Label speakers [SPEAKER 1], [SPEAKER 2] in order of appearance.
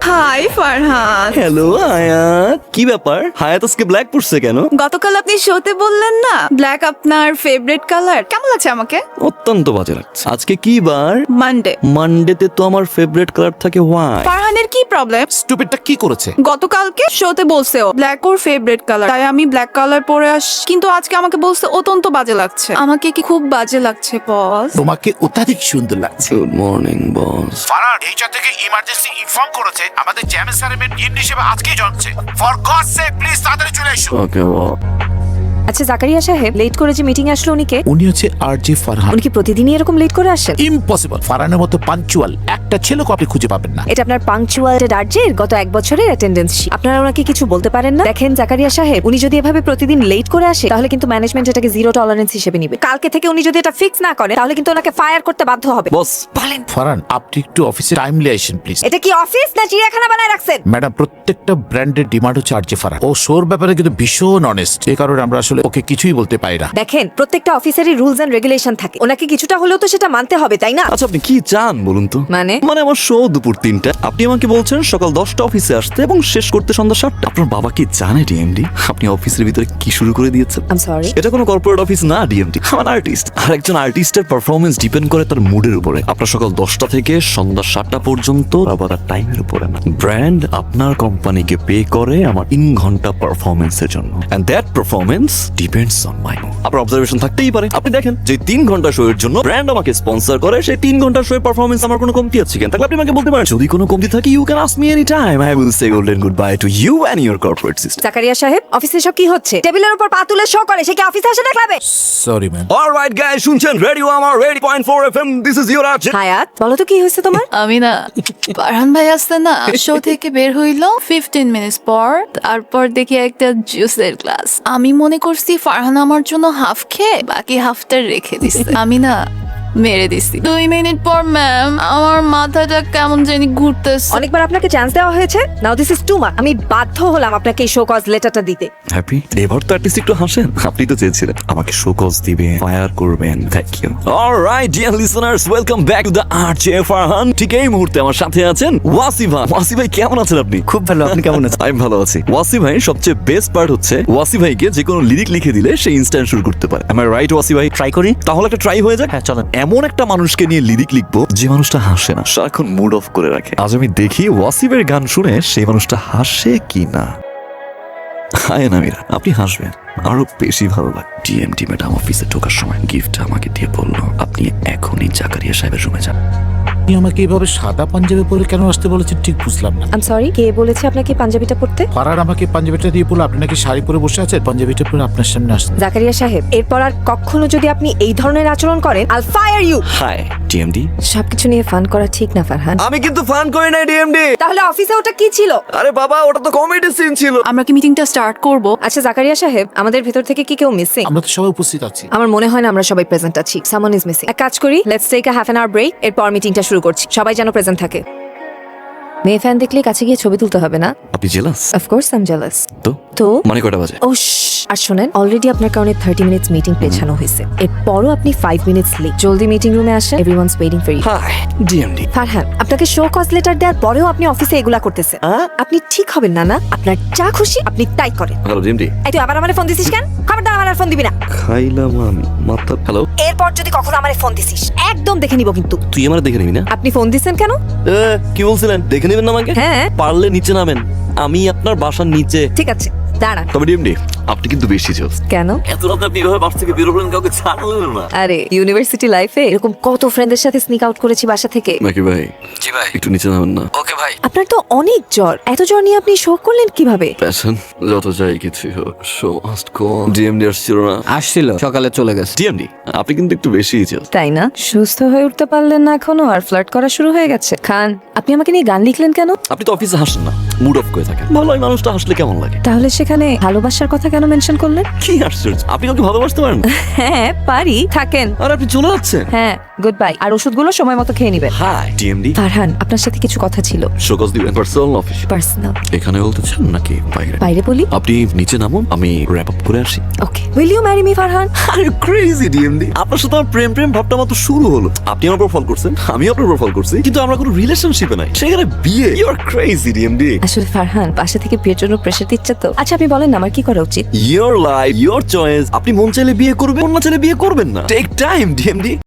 [SPEAKER 1] High Farhan.
[SPEAKER 2] Hello হায়াত, কি ব্যাপার? হায়াত আজকে ব্ল্যাক পরছে কেন?
[SPEAKER 1] গতকাল আপনি শোতে বললেন না ব্ল্যাক আপনার ফেভারিট কালার। কেমন লাগছে আমাকে?
[SPEAKER 2] অত্যন্ত বাজে লাগছে। আজকে কি বার?
[SPEAKER 1] মানডে।
[SPEAKER 2] মানডেতে তো আমার ফেভারিট কালার থাকে হোয়াইট।
[SPEAKER 1] ফারহানের কি প্রবলেম?
[SPEAKER 3] স্টুপিডটা কি করেছে?
[SPEAKER 1] গতকালকে শোতে বলছে ও ব্ল্যাক ওর ফেভারিট কালার, তাই আমি ব্ল্যাক কালার পরে আসি, কিন্তু আজকে আমাকে বলছে অত্যন্ত বাজে লাগছে। আমাকে কি খুব বাজে লাগছে বস?
[SPEAKER 3] তোমাকে অত্যাধিক সুন্দর লাগছে।
[SPEAKER 2] Good morning boss.
[SPEAKER 3] Farhan HR থেকে ইমার্জেন্সি ইনফর্ম করেছে আমাদের জ্যামের স্যারের ইন হিসেবে আজকেই জন্মছে। ফর গডস সেক প্লিজ তাড়াতাড়ি চলে এসো।
[SPEAKER 2] ওকে
[SPEAKER 4] আচ্ছা জাকারিয়া সাহেব, লেট করে যে মিটিং আসলো উনি কে?
[SPEAKER 3] উনি হচ্ছে আরজে ফারহান।
[SPEAKER 4] উনি কি প্রতিদিনই এরকম লেট করে আসেন?
[SPEAKER 3] ইম্পসিবল। ফারহানের মতো পাঞ্চুয়াল একটা ছেলেকে আপনি খুঁজে পাবেন না।
[SPEAKER 4] এটা আপনার পাংচুয়াল আর্জের গত এক বছরের অ্যাটেন্ডেন্স। আপনারা ওনাকে কিছু বলতে পারেন না? দেখেন জাকারিয়া সাহেব, উনি যদি এভাবে প্রতিদিন লেট করে আসে তাহলে কিন্তু ম্যানেজমেন্ট এটাকে জিরো টলারেন্স হিসেবে নিবে। কালকে থেকে উনি যদি এটা ফিক্স না করে তাহলে কিন্তু ওনাকে ফায়ার করতে বাধ্য হবে।
[SPEAKER 2] বস
[SPEAKER 4] বলেন,
[SPEAKER 3] ফারহান আপনি একটু অফিসে টাইমলি আসেন প্লিজ।
[SPEAKER 4] এটা কি অফিস না চিড়িয়াখানা বানায় রাখছেন?
[SPEAKER 3] ম্যাডাম, প্রত্যেকটা ব্র্যান্ডের ডিমান্ড হচ্ছে আরজে ফারহান। ও শোর ব্যাপারে কিন্তু ভীষণ অনেস্ট, এই কারণে আমরা আসলে ওকে কিছুই বলতে পারি না।
[SPEAKER 4] দেখেন, প্রত্যেকটা অফিসেরই রুলস এন্ড রেগুলেশন থাকে, ওনাকে কিছুটা হলেও তো সেটা মানতে হবে, তাই না?
[SPEAKER 2] আচ্ছা আপনি কি চান বলুন তো?
[SPEAKER 4] মানে
[SPEAKER 2] আমার শো দুপুর 3টা, আপনি আমাকে বলছেন সকাল 10টা অফিসে আসতে এবং শেষ করতে সন্ধ্যা 7টা। আপনার বাবা কি জানে ডিএমডি আপনি অফিসের ভিতরে কি শুরু করে দিয়েছেন?
[SPEAKER 4] I am sorry.
[SPEAKER 2] এটা কোনো কর্পোরেট অফিস না ডিএমডি, আমার আর্টিস্ট। আর একজন আর্টিস্টের পারফরমেন্স ডিপেন্ড করে তার মুডের উপরে। আপনার সকাল 10টা থেকে সন্ধ্যা 7টা পর্যন্ত আবার তার টাইমের উপরে না। ব্র্যান্ড আপনার কোম্পানিকে পে করে আমার 3 ঘন্টা পারফরমেন্সের জন্য, and that performance depends on my mood. আপনার অবজারভেশন থাকতেই পারে। আপনি দেখেন যে 3 ঘন্টা শো এর জন্য ব্র্যান্ড আমাকে স্পন্সর করে, সেই 3 ঘন্টা শো এর পারফরমেন্স আমার কোনো কমতি আছে কেন? তাহলে আপনি আমাকে বলতে পারেন যদি কোনো কমতি থাকে you can ask me any time. I will say golden goodbye to you and your corporate system.
[SPEAKER 4] Zakaria সাহেব, অফিসে সব কি হচ্ছে? টেবিলের উপর পা তুলে শো করে, সে কি অফিসে আসে না ক্লাবে?
[SPEAKER 3] Sorry ma'am.
[SPEAKER 2] অলরাইট গাইস, শুনছেন রেডিও আমার 80.4 FM. This is your art.
[SPEAKER 4] Hayat, বলো তো কি হয়েছে তোমার?
[SPEAKER 1] আমি না ফারহান ভাই আসতে না শো থেকে বের হইলো 15 মিনিটস পর, তারপর দেখি একটা জুসের গ্লাস। আমি মনে করছি ফারহান আমার জন্য হাফ খেয়ে বাকি হাফটা রেখে দিছে। আমি না মেরে দিছি। 2 মিনিট পর ম্যাম আমার মাথাটা কেমন জানি ঘুরতেছে।
[SPEAKER 4] অনেকবার আপনাকে চান্স দেওয়া হয়েছে, now this is too much. আমি বাধ্য হলাম আপনাকে এই শো কজ লেটারটা দিতে।
[SPEAKER 2] হ্যাপি এবার তো অ্যাটলিস্ট একটু হাসেন। আপনি তো চেয়েছিলেন আমাকে শো কজ দিবেন, ফায়ার করবেন। Thank you. Alright dear listeners, welcome back to the RJ Farhan. ঠিক এই মুহূর্তে আমার সাথে আছেন ওয়াসি ভাই। ওয়াসি ভাই কেমন আছেন আপনি?
[SPEAKER 5] খুব ভালো, আপনি কেমন আছেন?
[SPEAKER 2] আমি ভালো আছি। ওয়াসি ভাই সবচেয়ে বেস্ট পার্ট হচ্ছে ওয়াসি ভাইকে যে কোনো লিরিক লিখে দিলে সে ইনস্ট্যান্ট শুরু করতে পারে। এম আই রাইট ওয়াসি ভাই?
[SPEAKER 5] ট্রাই করি।
[SPEAKER 2] তাহলে একটা ট্রাই হয়ে যাক।
[SPEAKER 5] হ্যাঁ চলেন।
[SPEAKER 2] এমন একটা মানুষকে নিয়ে লিরিক লিখবো যে মানুষটা হাসে না, সারাক্ষণ মুড অফ করে রাখে। আজ আমি দেখি ওয়াসিফের গান শুনে সেই মানুষটা হাসে কি না। হায় নামিরা, আপনি হাসবেন, আরো বেশি ভালো লাগে। ডিএমটি ম্যাডাম অফিসে ঢোকার সময় গিফট আমাকে দিয়ে বললো আপনি এখনই জাকারিয়া সাহেবের রুমে যান।
[SPEAKER 3] আপনি আমাকে এইভাবে সাদা পাঞ্জাবি পরে কেন আসতে বলেছেন ঠিক বুঝলাম না।
[SPEAKER 4] আই এম সরি, কে বলেছে আপনাকে পাঞ্জাবিটা পরতে?
[SPEAKER 3] ফারহান আমাকে পাঞ্জাবিটা দিয়ে বলল আপনি নাকি শাড়ি পরে বসে আছেন, পাঞ্জাবিটা পরে আপনার সামনে আসছেন।
[SPEAKER 4] জাকারিয়া সাহেব, এরপর আর কখনো যদি আপনি এই ধরনের আচরণ করেন আইল ফায়ার ইউ।
[SPEAKER 2] Hi DMD.
[SPEAKER 4] সবকিছু নিয়ে ফান করা ঠিক না ফারহান।
[SPEAKER 2] আমি কিন্তু ফান করি নাই ডিএমডি।
[SPEAKER 4] তাহলে অফিসে ওটা কি ছিল?
[SPEAKER 2] আরে বাবা, ওটা তো কমেডি সিন ছিল।
[SPEAKER 1] আমরা কি মিটিংটা স্টার্ট করব?
[SPEAKER 4] আচ্ছা জাকারিয়া সাহেব, আমাদের ভেতর থেকে কি কেউ মিসিং?
[SPEAKER 3] আমরা তো সবাই উপস্থিত আছি।
[SPEAKER 4] আমার মনে হয় না আমরা সবাই প্রেজেন্ট আছি। Someone is missing. এক কাজ করি, let's take a half an hour break, এরপর মিটিংটা শুরু করছি। সবাই যেন প্রেজেন্ট থাকে। মেয়ে ফ্যান দেখলে কাছে গিয়ে ছবি তুলতে হবে না?
[SPEAKER 2] আপনি jealous?
[SPEAKER 4] Of course I am jealous. তো
[SPEAKER 2] মানে কয়টা বাজে?
[SPEAKER 4] ও আর শোনেন, অলরেডি আপনার কারণে 30 মিনিটস মিটিং পেছানো হয়েছে। এরপরও আপনি 5 মিনিটস লেট। জলদি মিটিং রুমে আসেন, everyone's waiting for you.
[SPEAKER 2] Hi DMD.
[SPEAKER 4] Farhan, আপনাকে শো কজ লেটার দেওয়ার পরেও আপনি অফিসে এগুলা করতেছেন। আপনি ঠিক হবেন না। না, আপনার যা খুশি আপনি তাই করেন।
[SPEAKER 2] Hello DMD.
[SPEAKER 4] এই তুই আবার আমারে ফোন দিছিস কেন? খবরদার আমার আর ফোন দিবি না।
[SPEAKER 2] খাইলাম আমি মাথা। হ্যালো,
[SPEAKER 4] এরপর যদি কখনো আমারে ফোন দিছিস একদম দেখে নিব কিন্তু।
[SPEAKER 2] তুই আমার দেখে নিবি না?
[SPEAKER 4] আপনি ফোন দিছেন কেন?
[SPEAKER 2] কি বলছিলেন? দেখে নেবেন না আমাকে?
[SPEAKER 4] হ্যাঁ।
[SPEAKER 2] পারলে নিচে নামেন, আমি আপনার বাসার নিচে।
[SPEAKER 4] ঠিক আছে, দাঁড়া।
[SPEAKER 2] তবে ডিএমডি আপনি কিন্তু বেশি জোস।
[SPEAKER 4] কেন?
[SPEAKER 2] এত রাতে আপনি এভাবে বাসা থেকে বেরোবেন, কাউকে ছাড়লেন না।
[SPEAKER 4] আরে ইউনিভার্সিটি লাইফে এরকম কত ফ্রেন্ডের সাথে স্নিক আউট করেছি বাসা থেকে।
[SPEAKER 2] নাকি ভাই?
[SPEAKER 5] জি ভাই।
[SPEAKER 2] একটু নিচে নামেন না?
[SPEAKER 5] ওকে ভাই।
[SPEAKER 4] আপনার তো অনেক জ্বর, এত জ্বর নিয়ে আপনি শো করলেন কিভাবে?
[SPEAKER 2] প্যাশন যত চাই কিছু হোক, show must go on. DMD আসছিল না?
[SPEAKER 5] আসছিল, সকালে চলে গেছে।
[SPEAKER 2] ডিএমডি আপনি কিন্তু একটু বেশি জোস।
[SPEAKER 4] তাই না? সুস্থ হয়ে উঠতে পারলেন না এখনো, আর ফ্লার্ট করা শুরু হয়ে গেছে। খান, আপনি আমাকে নিয়ে গান লিখলেন কেন?
[SPEAKER 2] আপনি তো অফিসে হাসেন না, মুড অফ করে থাকেন। ভালো, এই মানুষটা হাসলে কেমন লাগে?
[SPEAKER 4] তাহলে সেখানে ভালোবাসার কথা কেন মেনশন করলেন?
[SPEAKER 2] কি আশ্চর্য, আপনি কাউকে ভালোবাসতে পারেন?
[SPEAKER 4] হ্যাঁ পারি, থাকেন।
[SPEAKER 2] আর আপনি চলে যাচ্ছেন?
[SPEAKER 4] হ্যাঁ, গুড বাই। আর ওষুধগুলো সময় মতো খেয়ে নিবেন।
[SPEAKER 2] High DMD.
[SPEAKER 4] ফারহান, আপনার সাথে কিছু কথা ছিল।
[SPEAKER 2] শোকজ দিবেন পার্সোনাল অফিস
[SPEAKER 4] পার্সোনাল।
[SPEAKER 2] এখানে বলতে চান নাকি বাইরে?
[SPEAKER 4] বাইরে বলি।
[SPEAKER 2] আপনি নিচে নামুন, আমি র্যাপ আপ করে আসি।
[SPEAKER 4] Okay, will you marry me Farhan?
[SPEAKER 2] আরে ক্রেজি ডিএমডি, আপনার সাথে আমার প্রেম প্রেম ভাবটা মাত্র শুরু হলো। আপনি আমার উপর ফল করছেন, আমি আপনার উপর ফল করছি, কিন্তু আমরা কোনো রিলেশনশিপে নাই, সেখানে বিয়ে। You are crazy DMD.
[SPEAKER 4] আসলে ফারহান বাসা থেকে বিয়ের জন্য প্রেশার দিচ্ছে তো। আচ্ছা আপনি বলেন না আমার কি করা উচিত?
[SPEAKER 2] Your life your choice. আপনি মন চাইলে বিয়ে করবেন, মন না চাইলে বিয়ে করবেন না। Take time DMD.